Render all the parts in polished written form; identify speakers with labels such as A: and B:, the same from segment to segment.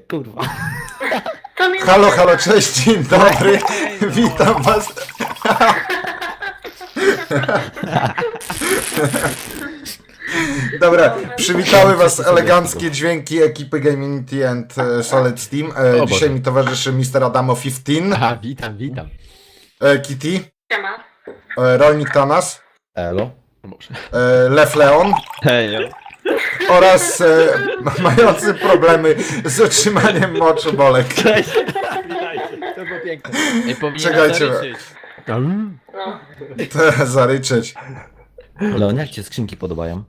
A: kurwa.
B: Halo, halo, cześć, dzień dobry. Witam was. Dobra, przywitały was eleganckie dźwięki ekipy Gaminity and Solid Steam. Dzisiaj mi towarzyszy Mr. Adamo 15.
C: Aha, witam.
B: Kitty.
D: Siema.
B: Rolnik Tanas.
A: Elo.
B: Lew Leon.
A: Hejo.
B: Oraz mający problemy z utrzymaniem moczu Bolek.
A: Cześć. Witajcie. To było piękne.
B: Czekajcie.
D: No.
B: To zaryczeć.
A: Leon, jak cię skrzynki podobają?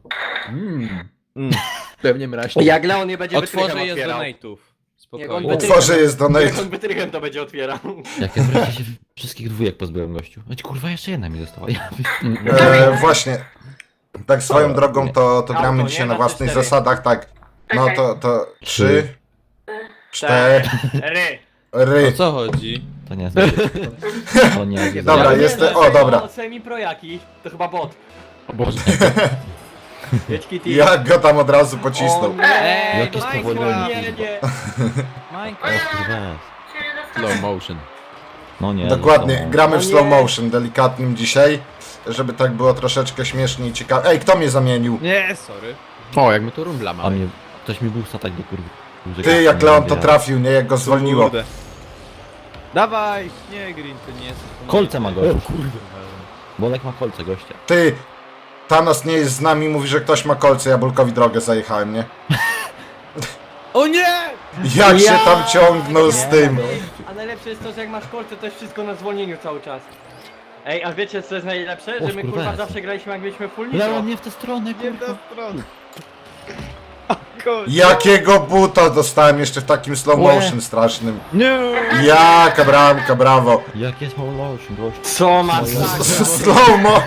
C: Pewnie mraźnie.
E: Jak Leon nie będzie
F: Otworzę
E: wytrychem
F: je z
E: otwierał.
F: donate'ów.
E: Jak
F: Spokojnie.
E: on
B: Utworzę jest donate.
E: Jak on wytrychem to będzie otwierał.
A: Jak ja wreszcie się wszystkich dwójek pozbyłem, gościu. Ać kurwa, jeszcze jedna mi została. Ja...
B: Właśnie. Tak swoją drogą to gramy
E: Auto,
B: dzisiaj
E: nie?
B: na
E: Na
B: własnych
E: 3-4.
B: zasadach, tak. No
D: Okej.
B: to 3, 4,
E: Ry.
F: O co chodzi?
A: To nie jest. To nie jest.
B: Dobra,
E: Nie,
B: jest.
E: no,
B: O, dobra.
E: Semi-projaki, to chyba bot.
C: O Boże.
E: Jedź Kitty.
B: Jak go tam od razu pocisnął.
E: O nie,
A: Jakie
E: Minecraft
A: spowolnienie.
E: jedzie.
A: O
F: Minecraft.
A: kurwa.
C: Slow motion.
A: No nie.
B: Dokładnie,
A: no,
B: gramy w
E: O
B: slow
E: nie.
B: motion, delikatnym dzisiaj, żeby tak było troszeczkę śmiesznie i ciekawe. Ej, kto mnie zamienił?
F: Nie, sorry.
C: O, jak my tu rumbla
A: A
C: mamy.
A: mnie... Ktoś mi był satać do kurwy.
B: Ty, jak Leon to trafił, nie? Jak go zwolniło.
F: Kurde. Dawaj! Nie, Green, to nie jest...
A: Kolce ma gościu. Bolek ma kolce, gościa.
B: Ty, Thanos nie jest z nami, mówi, że ktoś ma kolce, ja Bulkowi drogę zajechałem, nie?
F: O nie!
B: Jak się tam ciągnął z tym?
E: A najlepsze jest to, że jak masz kolce, to jest wszystko na zwolnieniu cały czas. Ej, a wiecie co jest najlepsze?
A: O,
E: Że my
A: kurwa,
E: kurwa
A: jest.
E: zawsze graliśmy jak byliśmy full nitro.
A: Leon, nie w tę stronę,
F: Nie w
A: kurwa.
F: tę stronę. Kurde.
B: Jakiego buta dostałem jeszcze w takim slow motion strasznym.
F: Nie!
B: Jaka bramka, brawo.
A: Jak jest motion, gościu.
E: Co ma
B: Slow mo...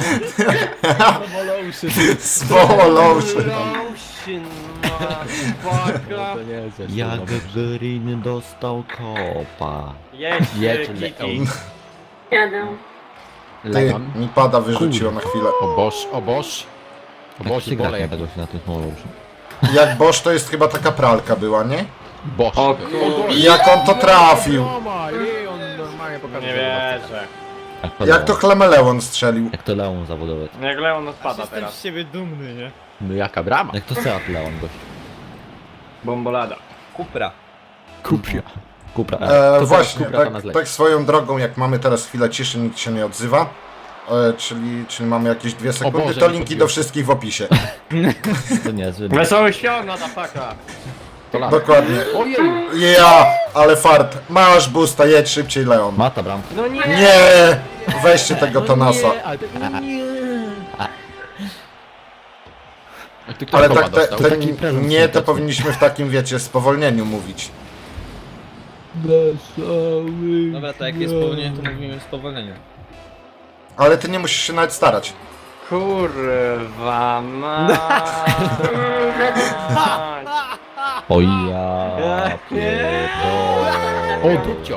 B: Slow motion.
E: Lotion, motherfucker.
C: To nie jest jeszcze
A: Jak
C: dobre.
A: Green dostał kopa.
E: Jedź,
C: Jedź,
E: Kitty.
C: Leon.
D: Jadę.
B: Ty,
C: Leon.
B: mi pada wyrzuciło na chwilę.
C: O Boż, o Boż. O
A: Jak
C: Boż
A: się
C: i
A: gra
C: Bolek.
A: tego się na tym small motion.
B: Jak Bosch to jest chyba taka pralka była, nie?
C: Boż.
E: O
B: Jak on to trafił?
C: Leon normalnie pokazał.
E: Nie wierzę.
B: Jak to Chlameleon strzelił?
A: Jak to Leon zawodowy.
E: Jak Leon odpada
F: Jestem
E: teraz.
F: z siebie dumny, nie?
C: No jaka brama.
A: Jak to Seat Leon, gościu.
E: Bombolada.
F: Kupra.
A: Kupia. Kupra.
B: Właśnie,
C: Kupra to nas leci.
B: tak swoją drogą, jak mamy teraz chwilę ciszy, nikt się nie odzywa. Czyli mamy jakieś 2 sekundy,
C: Boże,
B: to
C: nie
B: linki
C: podbiłem.
B: do wszystkich w opisie.
A: To niezły.
E: Wesoły świąt, motherfucker.
C: To lata.
B: Dokładnie.
C: Ojej.
B: Ja, ale fart. Masz busta, jedź szybciej, Leon.
A: Mata bramka.
E: No nie!
B: Nie! Weźcie tego Thanasa.
C: Jak ty
B: Ale
C: kopa
B: tak,
C: dostał.
A: taki prezent
B: nie, to
A: świąteczny.
B: powinniśmy w takim, wiecie, spowolnieniu mówić.
F: Dobra, to jak jest spowolnienie, to mówimy w spowolnieniu.
B: Ale ty nie musisz się nawet starać.
E: Kurwa mać.
A: O ja pierdolę.
C: O, dupcią.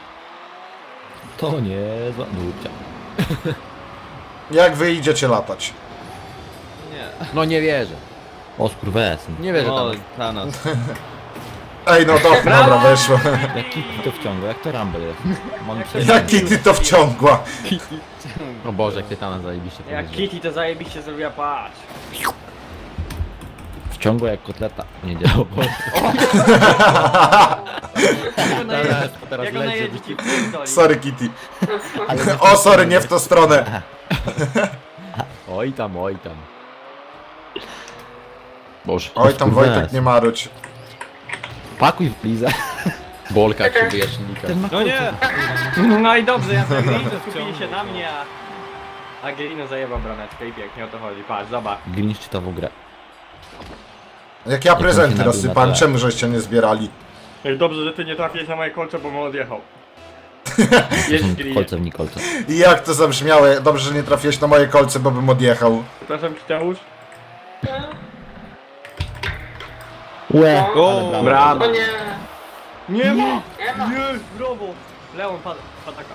A: To nie zła dupcia.
B: Jak wy idziecie latać?
F: Nie.
C: No nie wierzę.
A: O skurwesyn.
C: Nie wierzę
F: O,
C: tam.
F: Thanos.
B: Ej, no dobra, weszło.
A: Jak Kitty to wciąga, jak to Rumble jest. Mam
B: Jaki ty to wciągła?
C: O Boże, jak ty tam zajebiście
E: Jak
C: powiedział.
E: Kitty to zajebiście zrobiła, patrz.
A: Wciągła jak kotleta. Nie działa.
C: Teraz
E: Jak ona
C: leci.
E: jedzie ci pierdoli.
B: Sorry, Kitty. O, sorry, nie w tą stronę.
C: Oj tam, oj tam. Boże.
B: Oj, tam Wojtek nie marudź.
A: Pakuj w blizę.
C: Bolka jak się wyjaśnika.
A: Ten ma
F: No nie!
E: No i dobrze, ja to Angelino skupili się na mnie, a Angelino zajebał brameczkę i pięknie o to chodzi. Patrz, zobacz.
A: Grinch czytał grę.
B: Jak ja prezenty
A: nabił na
B: rozsypałem,
A: tle.
B: czemu żeście nie zbierali?
E: Dobrze, że ty nie trafiłeś na moje kolce, bo mu odjechał. Jedź Grinie.
A: Kolce w Nikolce.
B: I jak to zabrzmiało? Dobrze, że nie trafiłeś na moje kolce, bo bym odjechał.
E: Przepraszam, Kiteusz.
A: Łe!
F: O,
A: ale
E: brawo.
D: O nie.
E: Nie ma!
D: Nie ma.
E: Nie, brawo! Leon pataka.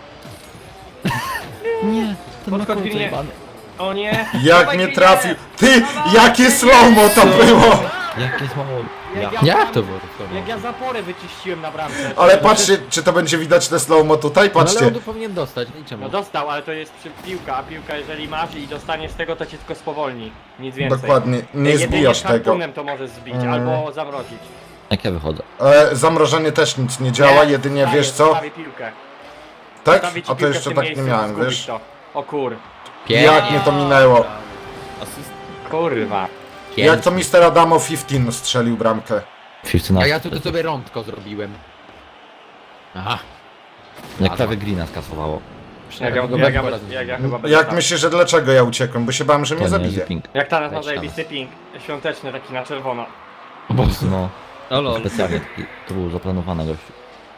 A: Nie! Ten ma
E: Podkład
A: kolce
E: Grinie.
A: jebany.
E: O nie!
B: Jak
E: Dawaj,
B: nie
E: Grinie.
B: trafił. Ty,
E: Dawaj,
B: jakie slow-mo to
E: Grinie.
B: było!
A: Jakie słowo.
C: Jak to było? To
E: Jak ja zaporę wyczyściłem na bramce.
B: Ale patrzcie, czy to będzie widać te slow-mo tutaj?
C: No, ale
B: Patrzcie.
C: on tu powinien dostać, i czemu?
E: No dostał, ale to jest piłka, a piłka jeżeli masz i dostaniesz z tego, to cię tylko spowolni. Nic więcej.
B: Dokładnie, nie
E: Jedynie
B: zbijasz tego.
E: harpunem to możesz zbić, albo zamrozić.
A: Jak ja wychodzę?
B: Zamrożenie też nic nie działa, jedynie
E: Stawię-
B: wiesz co?
E: stawię piłkę.
B: Tak?
E: Stawię ci
B: A to
E: piłkę w
B: jeszcze
E: tym
B: tak nie
E: miejscu,
B: miałem,
E: zgubisz
B: wiesz?
E: to. O kur...
B: Jak mnie to minęło?
F: Asyst...
E: Kurwa.
B: Jak to Mr. Adamo 15 strzelił bramkę?
A: 15.
C: A ja tu sobie rądko zrobiłem. Aha.
A: Jak prawie Greena skasowało.
E: Jak
C: go
E: ja chyba będę
B: Jak
E: tam.
B: myślisz, że dlaczego ja uciekłem? Bo się bałem, że mnie
A: To nie
B: zabije.
A: jest ping.
E: Jak teraz ma
C: Weź
E: zajebisty ping. Świąteczny taki na czerwono.
A: No,
F: O lol.
A: specjalnie taki, to było zaplanowane gościu.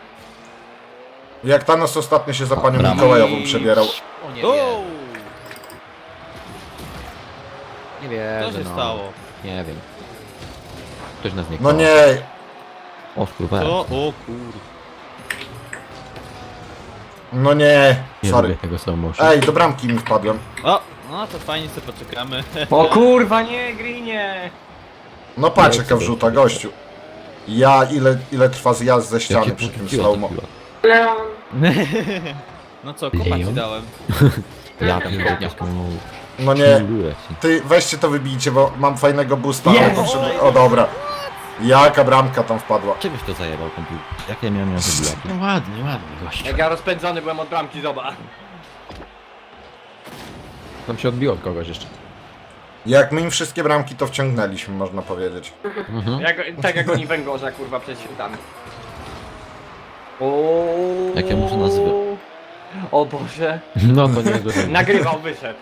B: Jak Thanos ostatnio się za panią
A: Brama.
B: Mikołajową przebierał.
C: O nie
F: O!
C: wiem. Nie wiem.
F: Co się stało?
C: Nie wiem. Ktoś nas nie
B: No
C: kocha.
B: nie,
A: O kurwa.
F: Co? O kur...
B: no nie,
C: Nie
B: sorry.
C: lubię tego slow motion.
B: Ej, do bramki mi wpadłem.
F: O! No to fajnie sobie poczekamy.
E: O kurwa, nie, Greenie!
B: No patrz jaka wrzuta, gościu. Ja, ile trwa zjazd ze ściany
A: Jakie
B: przy tym
A: poczuciła
B: slow-mo.
A: to piła.
D: Leon.
F: No co, kopa ci
A: Jeju.
F: dałem.
A: Ja pierdolę.
B: No nie, ty weźcie to wybijcie, bo mam fajnego boosta, ale
E: Jest!
B: potrzebuję... O dobra. Jaka bramka tam wpadła.
A: Czegoś to zajebał komputer. Jak ja miałem ją zabijać?
C: No ładnie, ładnie gościu.
E: Jak ja rozpędzony byłem od bramki, zobacz.
C: Tam się odbiło od kogoś jeszcze.
B: Jak my im wszystkie bramki to wciągnęliśmy, można powiedzieć.
E: Tak jak oni węgorza, kurwa, przed świętami. O.
A: Jak ja muszę nazwy?
E: O Boże.
C: No to nie jest dobre.
E: Nagrywał, wyszedł.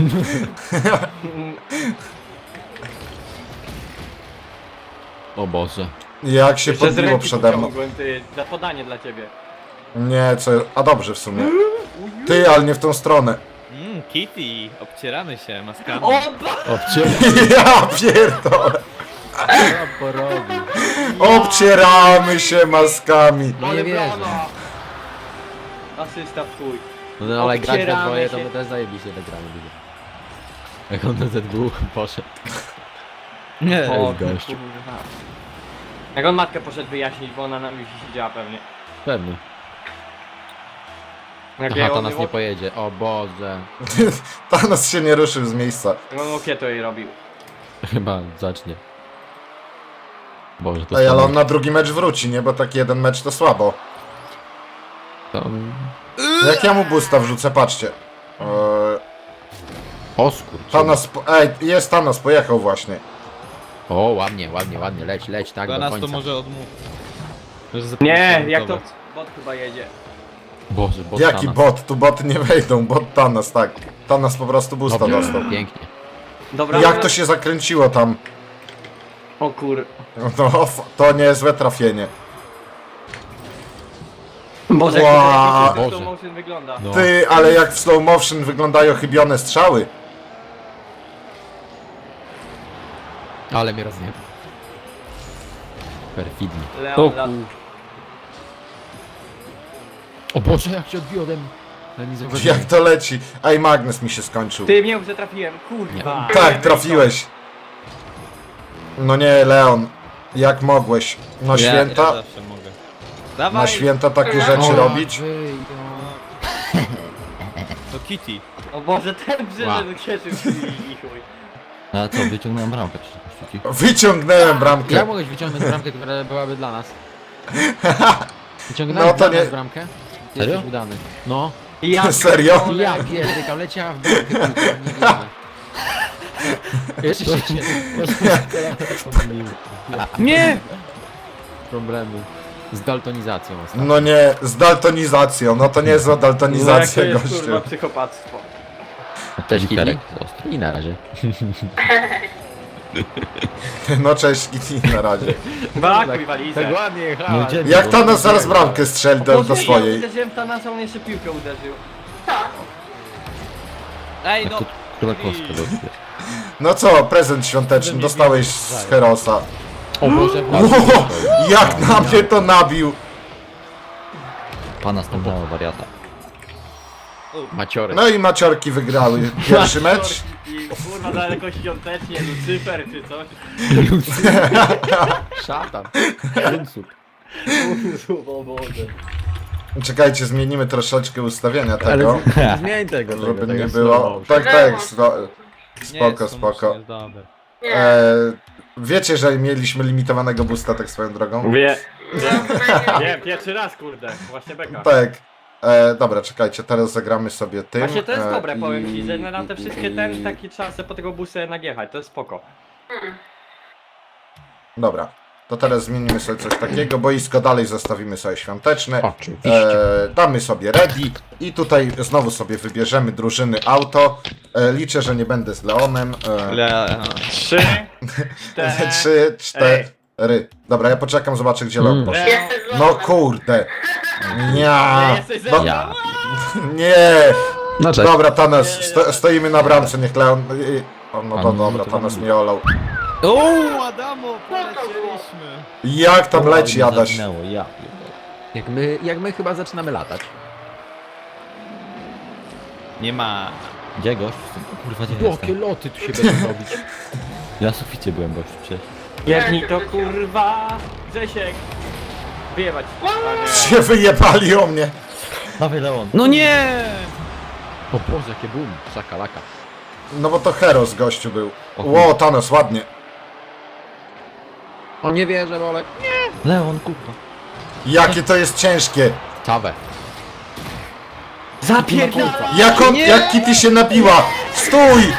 C: O Boże.
B: Jak się
E: Jeszcze z
B: podbiło
E: ręki
B: przede mną.
E: pociągłem, ty, za podanie dla ciebie.
B: Nie, co... A dobrze w sumie. Ty, ale nie w tą stronę.
F: Kitty! Obcieramy się maskami.
E: O,
B: Ja pierdolę.
C: Co porobi?
B: Obcieramy się maskami.
C: No nie wierzę.
E: Asysta w chuj.
C: No ale grać we
E: Obcieramy
C: dwoje to
E: się.
C: my też zajebiście wygramy. Jak on na ZW poszedł.
F: Nie.
E: O,
C: gościu.
E: kurwa. Jak on matkę poszedł wyjaśnić, bo ona na mi siedziała pewnie.
C: Pewnie.
E: Jak
C: Aha, to nas nie pojedzie. O Boże.
B: Thanos się nie ruszył z miejsca.
E: On okieto jej robił.
C: Chyba zacznie. Boże, to
B: Ej, ale
C: słabo.
B: on na drugi mecz wróci, nie? Bo taki jeden mecz to słabo.
C: To...
B: Jak ja mu boosta wrzucę, patrzcie.
C: O skurcz.
B: Thanos... Ej, jest Thanos, pojechał właśnie.
C: O, ładnie, ładnie, ładnie. Leć, tak
F: Do
C: do
F: nas
C: końca.
F: to może odmów.
E: Nie, jak to bot chyba jedzie.
C: Boże, bo
B: Jaki bot? Tu boty nie wejdą, bot Thanos, tak. Thanos po prostu boosta dostał.
C: Pięknie.
E: Dobra.
B: Jak to się zakręciło tam?
E: O kur...
B: No, to niezłe trafienie.
E: Boże,
B: Wow.
E: jak to
C: Boże.
E: slow motion wygląda.
C: No.
B: Ty, ale jak w slow motion wyglądają chybione strzały.
C: Ale mnie rozjebał. Perfidnie.
E: Leon, lat...
C: O Boże, jak się odbiło ode mnie. Ale nie zauważyłem.
B: Jak to leci? Ej, magnes mi się skończył.
E: Ty mnie już trafiłem, kurwa.
B: Tak, trafiłeś. No nie, Leon. Jak mogłeś? Na
F: Ja
B: święta?
F: zawsze mogę. Dawaj!
B: Na święta takie rzeczy
C: O,
B: robić?
C: wyjdą.
F: To Kitty.
E: O Boże, ten
C: Wow.
E: brzyżel cieszył się i chuj.
A: A co, wyciągnąłem bramkę przecież.
B: Wyciągnąłem bramkę.
C: Jak mogłeś wyciągnąć bramkę, która byłaby dla nas? Wyciągnąłeś
B: No to
C: dla
B: nie-
C: nas bramkę?
A: Serio?
C: Jesteś udany. No.
E: Ja
B: Serio?
E: pierdolę.
C: Ja pierdykam, leciała w bramkę, kurwa, nie wierzę. Jeszcze się
E: Nie!
C: problemy z daltonizacją ostatnio.
B: No nie, z daltonizacją. No to niezła daltonizacja,
E: No jak to jest, kurwa,
B: gościu.
E: psychopactwo.
A: Cześć, Kiterek.
C: I na razie.
B: No cześć, Kitty, na razie.
E: Bakuj walizę.
C: Tak ładnie
A: Nie
C: jechała.
A: wiedziałem,
B: Jak
A: bo-
B: Thanos zaraz bramkę strzeli do
E: Boże, ja
B: swojej.
E: uderzyłem w Thanasa, on jeszcze piłkę uderzył.
F: Ej
A: Jak
F: no!
A: to Królakowska dostie.
B: No co, prezent świąteczny dostałeś z Herosa.
C: O Boże,
B: Ło, jak na mnie to nabił.
A: Pana stąpnęła wariata.
C: Maciory.
B: No i maciorki wygrały pierwszy mecz.
E: I kurwa daleko świątecznie, Lucyfer czy coś.
C: Szatan. Unsub.
E: O Boże.
B: Czekajcie, zmienimy troszeczkę ustawienia
C: Ale
B: tego,
C: zmień tego,
B: żeby nie
C: slow
B: było...
C: motion.
B: Tak,
D: Nie,
B: spoko, spoko.
F: Jest dobre.
D: Nie.
B: Wiecie, że mieliśmy limitowanego boosta, tak swoją drogą?
E: Wie,
D: No,
E: nie, pierwszy raz kurde, właśnie beka.
B: Tak. Dobra, czekajcie, teraz zagramy sobie tym.
E: Właśnie to jest dobre,
B: i-
E: powiem ci, że na te wszystkie ten taki czas po tego busa najechać, to jest spoko.
B: Dobra, to teraz zmienimy sobie coś takiego, boisko dalej zostawimy sobie świąteczne.
C: Oczywiście.
B: Damy sobie ready i tutaj znowu sobie wybierzemy drużyny auto. Liczę, że nie będę z Leonem.
E: 3, 4,
B: 3, 4. Dobra, ja poczekam, zobaczę gdzie Leon poszedł.
D: Jesteś z
B: No
D: Leonem.
B: kurde.
E: Nie
B: Nie.
E: jesteś ze
B: No,
E: mną?
A: Ja.
B: nie.
C: No cześć.
B: Dobra, Thanos, stoimy na bramce, niech Leon... O, no to
A: A,
B: dobra,
A: to
B: Thanos
A: tam-
B: mi olał.
F: O, Adamo, polecieliśmy.
B: Jak tam leci,
A: Mnie
B: Adaś?
A: zaginęło, ja. pierdolę.
C: Jak my chyba zaczynamy latać.
F: Nie ma.
A: Gdzie gość? Kurwa, gdzie
C: Jakie
A: jestem?
C: loty tu się będą robić.
A: Ja na suficie byłem gościu przecież.
E: Jedni to kurwa, Grzesiek. Wyjebać. A nie.
B: Się wyjebali o mnie.
A: Dawaj Leon.
F: No nie!
C: O Boże, jakie boom. Szakalaka.
B: No bo to Heros gościu był.
A: O
B: Ło, Thanos, ładnie.
C: O nie wierzę, Bolek.
A: Leon, kurwa.
B: Jakie to jest ciężkie.
C: Czawę.
E: Zapierdala!
B: Jak Kitty się nabiła. Stój!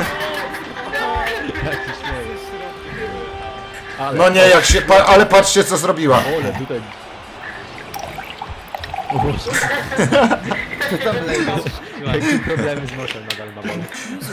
C: Ale,
B: No nie, jak się... ale patrzcie co zrobiła.
C: Ole, tutaj... O Boże. Co tam lecisz? Jakie problemy z nosem nadal ma Bolek.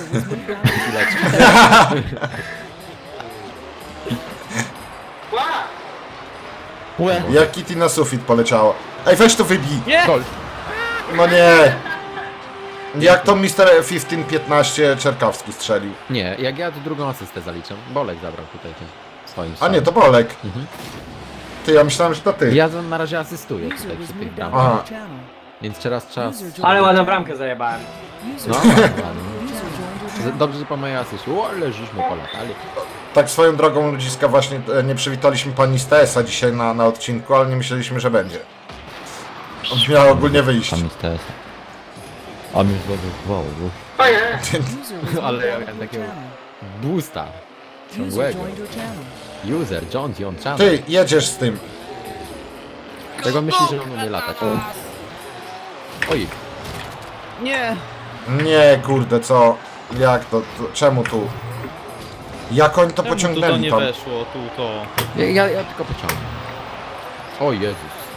A: Łe.
B: Jak Kitty na sufit poleciała. Ej, weź to wybij.
F: Nie!
C: Gol.
B: No nie. Jak to Mr. 15-15 Czerkawski strzelił.
C: Nie, jak ja tu drugą asystę zaliczam. Bolek zabrał tutaj tym swoim
B: A nie,
C: strzałem.
B: to Bolek.
C: Mhm.
B: Ty, ja myślałem, że to ty.
C: Ja na razie asystuję tutaj przy tych bramach.
B: Aha.
C: Więc teraz czas...
E: Ale ładną bramkę zajebałem.
C: No, ładnie. Dobrze, że po mojej asyście. O, ale żeśmy polatali.
B: Tak swoją drogą ludziska właśnie nie przywitaliśmy pani z TS-a dzisiaj na odcinku, ale nie myśleliśmy, że będzie. On miał ogólnie wyjść.
A: Tam jest TS. A mi już wow.
D: O nie.
C: Ale ja miałem takiego boosta ciągłego. User, John, Dion, Chan.
B: Ty, jedziesz z tym.
C: Tego myśli, że on umie latać. Oj,
F: Nie!
B: Nie, kurde, co? Jak to? Czemu tu? Jak oni to
F: Czemu tu to
B: pociągnęli
F: nie
B: tam?
F: weszło, tu to.
C: ja tylko pociągnę. O Jezus.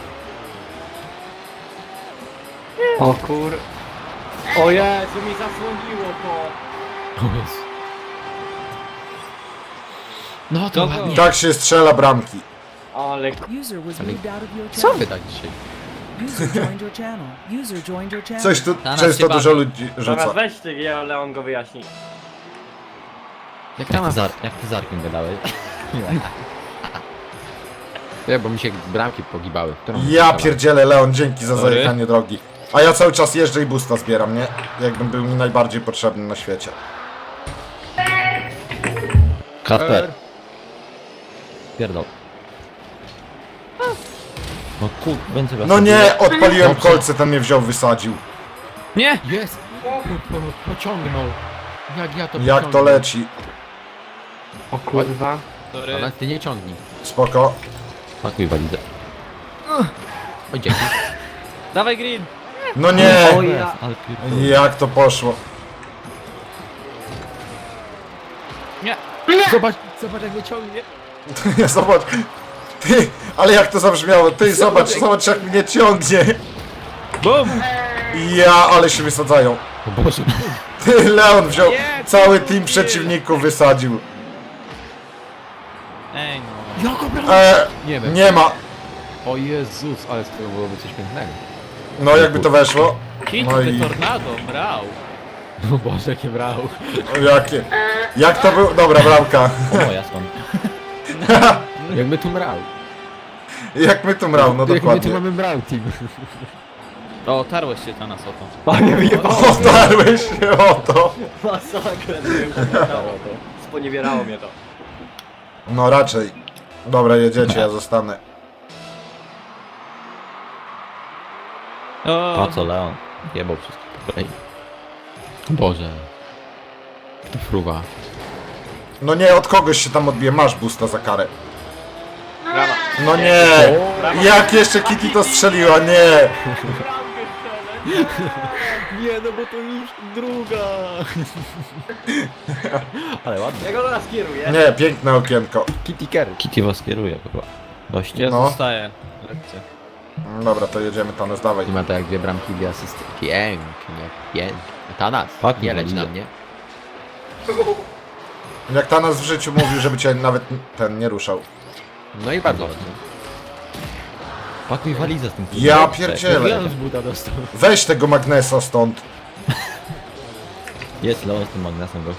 E: O kur... O Jezu, mi zasłoniło to.
C: O Jezu. No to
F: Dobra.
C: ładnie.
B: Tak się strzela bramki.
E: Ale
G: User was moved out of your
C: Co
G: channel.
C: wy tak dzisiaj?
G: User joined your channel. User joined your channel.
B: Coś tu
A: nas
B: często
A: się
B: dużo
A: bawi.
B: ludzi
E: zaraz
B: rzuca.
E: weź ty, Leon go wyjaśni.
C: Jak tam
A: Jak ty z Arkiem gadałeś?
C: Nie, bo mi się bramki pogibały. Którą
B: Ja
C: strzelam?
B: pierdzielę, Leon, dzięki za
F: Sorry.
B: zajechanie drogi. A ja cały czas jeżdżę i boosta zbieram, nie? Jakbym był mi najbardziej potrzebny na świecie.
A: Kasper. Pierdol. No kur... więcej was
B: No nie, odpaliłem
A: Dobrze.
B: kolce, ten mnie wziął, wysadził.
F: Nie!
C: Jest! Pociągnął. Jak ja to
B: Jak to
C: pociągnę?
B: leci.
E: O kurwa.
F: Sorry.
C: Ale ty nie ciągnij.
B: Spoko.
A: Pakuj walizę.
C: Oj, dzięki.
F: Dawaj Green!
B: No nie!
E: O ja...
A: Ale pierdol.
B: Jak to poszło?
F: Nie!
C: Zobacz jak mnie ciągnie.
B: Zobacz. Ty, ale jak to zabrzmiało? Ty, zobacz jak mnie ciągnie.
F: BUM!
B: Ja, ale się wysadzają.
C: O Boże.
B: Ty, Leon wziął,
F: Nie,
B: cały
F: ty
B: team
F: mówię.
B: przeciwników wysadził.
F: Ej no.
C: Nie wiem.
B: Nie ma.
C: O Jezus, ale to byłoby coś pięknego.
B: No jakby to weszło.
F: Hit
B: No
F: the
B: i
F: tornado, brał!
C: O Boże, jakie brał.
B: jakie. Jak to był? Dobra, bramka.
A: O moja stąd.
C: Jak my tu brał.
B: Jak my tu mrał, no
C: Jak my tu
B: dokładnie.
C: mamy brał team.
F: O, tarłeś się ta nas o to.
E: Panie wyjebało.
B: Otarłeś się o to.
E: Masakrę, sponiewierało mnie to.
B: No raczej. Dobra, jedziecie, ja zostanę.
F: O,
A: Po co Leon? Jebał wszystkich po kolei.
C: Boże. Fruwa.
B: No nie, od kogoś się tam odbije. Masz boosta za karę.
E: Brawa.
B: No nie! Jak jeszcze Kitty to strzeliła? Nie!
F: nie, no bo to już druga.
A: Ale ładnie.
E: Ja go teraz kieruję.
B: Nie, piękne okienko.
C: Kitty Kerry.
A: Kitty was kieruje chyba. Goście.
F: Ja
B: No.
F: zostaję. Lekcja.
B: Dobra, to jedziemy, Tanes, dawaj.
C: I ma to jak 2 bramki, 2 asysty. Pięknie, pięknie. Tanas,
A: Fuck,
C: nie leć
A: widzę.
C: na mnie.
B: Jak Tanas w życiu mówił, żeby cię nawet ten nie ruszał.
C: No i bardzo ładnie.
A: Pakuj walizę z tym.
B: Ja pierdzielę.
C: Leon z buta dostał.
B: Weź tego Magnesa stąd.
A: Jest Leon z tym magnesem gościu.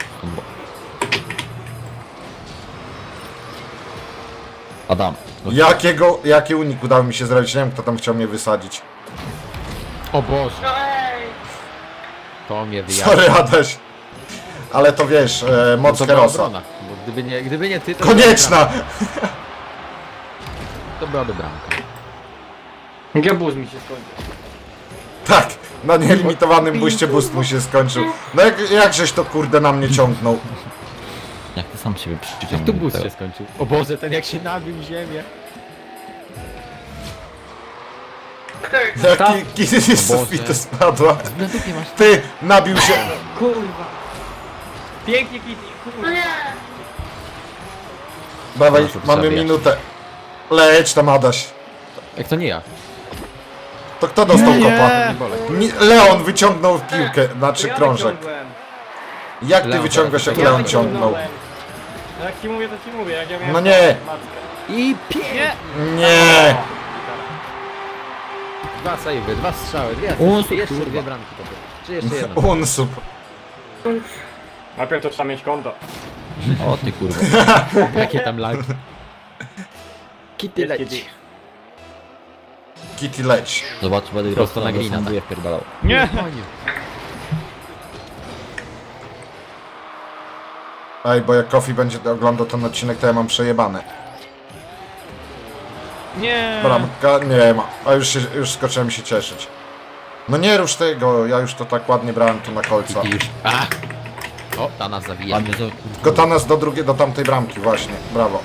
A: Adam.
B: Jaki unik udało mi się zrobić? Nie wiem, kto tam chciał mnie wysadzić.
C: O Boże,
D: No ej!
C: to mnie wyjaśni.
B: Sorry, Adaś. Ale to wiesz, moc
C: To była
B: Herosa.
C: obrona, bo gdyby nie ty, to
B: Konieczna!
C: To byłaby bramka.
E: Gebuz mi się skończył.
B: Tak, na nielimitowanym buście boost mu się skończył. No jakżeś to kurde na mnie ciągnął.
A: Jak ty sam siebie przyczynił.
C: Jak tu boost się skończył? O Boże, ten jak się nabił w ziemię.
D: Kto jest?
B: Jaki Kitty z sufitu spadła.
C: Na dupie masz.
B: Ty, nabił się.
E: Kurwa. Pięknie Kitty,
D: No
E: kurwa.
D: nie!
B: Dawaj,
C: Proszę,
B: mamy
C: zabijać.
B: minutę. Leć tam, Adaś.
C: Jak to nie ja?
B: To kto dostał kopa?
C: Nie bolej.
B: Leon wyciągnął piłkę, znaczy
E: Ja
B: krążek.
E: wyciągłem.
B: Jak ty
C: Leon
B: wyciągasz,
C: teraz
B: jak
C: wyciągnął.
B: Leon ciągnął?
E: wyciągnąłem. No jak ci mówię, to ci mówię. Jak ja miałem
B: No nie.
E: matkę.
C: I pięknie!
B: Nie!
C: 2 sejwy, 2 strzały, 2
A: Unsub,
C: asysty, jeszcze
A: kurwa.
C: 2 bramki to było. Czy jeszcze jedna?
B: Unsub.
E: Najpierw to trzeba mieć konto.
A: O ty kurwa.
C: Jakie tam lagi? Kitty
E: Jest
C: leć.
E: Kitty.
B: Kitty leć.
A: Zobacz, będę
C: Prosto na Greena,
A: sanduje wpierdalał.
F: Nie!
B: Ej, bo jak Kofi będzie oglądał ten odcinek, to ja mam przejebane.
F: Nie!
B: Bramka nie ma. A już skoczyłem się cieszyć. No nie rusz tego, ja już to tak ładnie brałem tu na kolca.
C: Kitty już. A! O, ta nas zawija.
A: Ładnie to...
B: Tylko Tanas do tamtej bramki, właśnie. Brawo.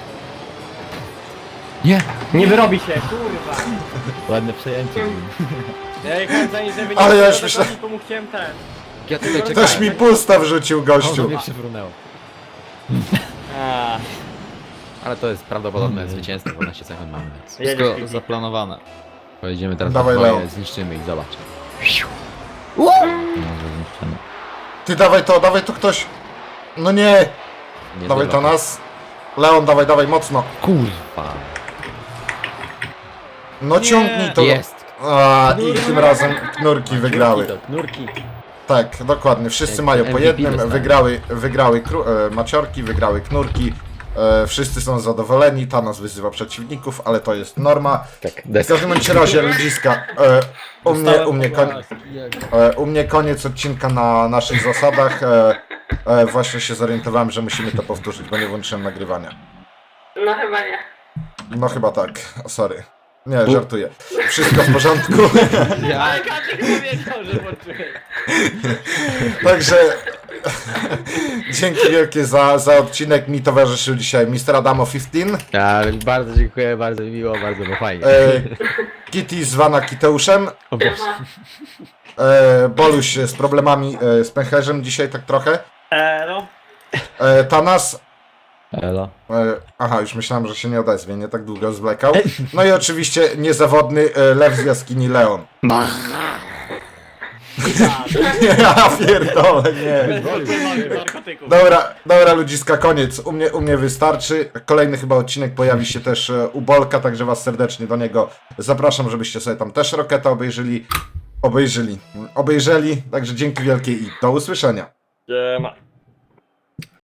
A: Nie!
E: Nie wyrobi się, kurwa.
A: Ładne przejęcie.
E: Ja jechałem za nim, żeby nie
B: Ale ja już
E: było
B: myślę-
E: to mu chciałem ten.
C: Ja tutaj czekałem.
B: Ktoś mi pusta wrzucił,
C: O,
B: gościu.
C: mnie przywrunęło.
E: A,
C: Ale to jest prawdopodobne zwycięstwo, 12 sekund mamy. Więc
E: jedziesz,
F: Wszystko
E: Kitty.
F: zaplanowane.
C: pojedziemy teraz
B: Dawaj,
C: na twoje,
B: Leon.
C: zniszczymy ich, zobacz.
A: No, zniszczone.
B: Ty dawaj to ktoś. No nie!
C: Nie
B: Dawaj
C: zobacz.
B: Tanas. Leon, dawaj, mocno.
A: Kurwa.
B: No ciągnij to.
C: Jest!
B: A, i tym razem knurki wygrały.
C: Nurki.
B: Tak, dokładnie. Wszyscy
C: Jak
B: mają po
C: MVP
B: jednym.
C: dostali.
B: Wygrały maciorki, wygrały knurki. Wszyscy są zadowoleni. Tanas wyzywa przeciwników, ale to jest norma.
C: Tak,
B: W każdym bądź razie, ludziska, u mnie koniec odcinka na naszych zasadach. Właśnie się zorientowałem, że musimy to powtórzyć, bo nie włączyłem nagrywania.
D: No chyba nie.
B: No chyba tak, sorry. Nie, żartuję. Wszystko w porządku.
E: Ale Kaczyk powiedział, że włączyłeś.
B: Także dzięki wielkie za odcinek. Mi towarzyszył dzisiaj Mr. Adamo 15,
C: Bardzo dziękuję, bardzo mi miło, bardzo było fajnie.
B: Kitty zwana Kiteuszem,
C: O Boże.
B: Boluś z problemami z pęcherzem dzisiaj tak trochę,
E: No.
B: Tanas,
A: Elo.
B: aha, już myślałem, że się nie odezwie, nie tak długo zwlekał. No i oczywiście niezawodny lew z jaskini Leon. Ja pierdolę, nie.
E: Narkotyków.
B: Dobra ludziska, koniec. U mnie wystarczy. Kolejny chyba odcinek pojawi się też u Bolka, także was serdecznie do niego zapraszam, żebyście sobie tam też Roketa obejrzeli. Także dzięki wielkie i do usłyszenia.
E: Siema.